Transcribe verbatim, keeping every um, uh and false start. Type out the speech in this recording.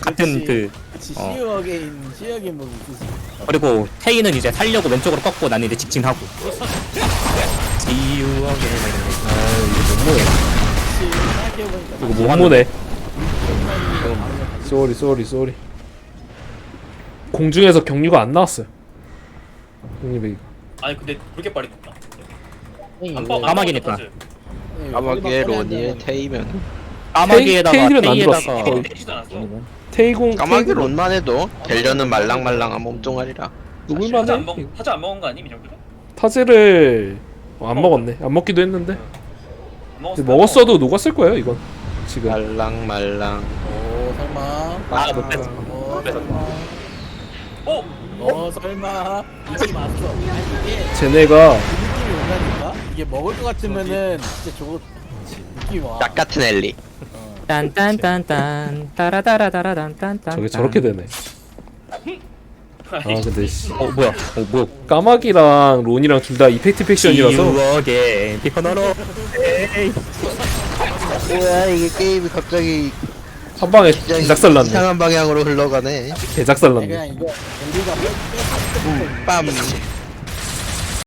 같은 그 그치 어. 시유 어게인 시유 어게인 뭐 있지. 그리고 테이는 이제 살려고 왼쪽으로 꺾고 나는 이제 직진하고 지유하게 아 이거 너무해. 생각해보니까 이거 뭐 못 모네. 쏘리 쏘리 쏘리. 공중에서 경류가 안 나왔어요. 형님이 아니 근데 그렇게 빨리 떴다. 안 안 뻐- 안 까마귀니까. 뻐- 까마귀에 론이에 테이면 까마귀에다가 테일은 안 들었어. 테이에다가 거의. 때리지도 않았어. 테이공 까마귀 테이공 론만 해도 델려는 말랑말랑한 몸뚱아리라. 타자 누굴만해? 안 먹, 타자 안 먹은 거 아니 이 정도면? 타제를 어, 안 먹었네. 안 먹기도 했는데 안 먹었어. 근데 먹었어도 녹았을 거예요 이건 지금. 말랑말랑. 오 설마. 아, 못 뺐어. 어 설마. 어? 어 설마. 이게 맞어. 아니 이게 쟤네가 그 느낌이 온다니까. 이게 먹을 것 같으면은 진짜 저거 느낌이 와. 딱 같은 엘리. 딴딴딴딴 따라따라따라딴딴딴 저게 저렇게 되네. 아 근데 씨. 어 뭐야 어 뭐야 까마귀랑 론이랑 둘 다 이펙트 팩션이라서 지유하게 피코너로 에이 뭐야 이게 게임이 갑자기 한 방에 개작살났네. 이상한 방향으로 흘러가네. 아니, 개작살났네. 그냥 이거 우리가 뺐- 뺐- 빰.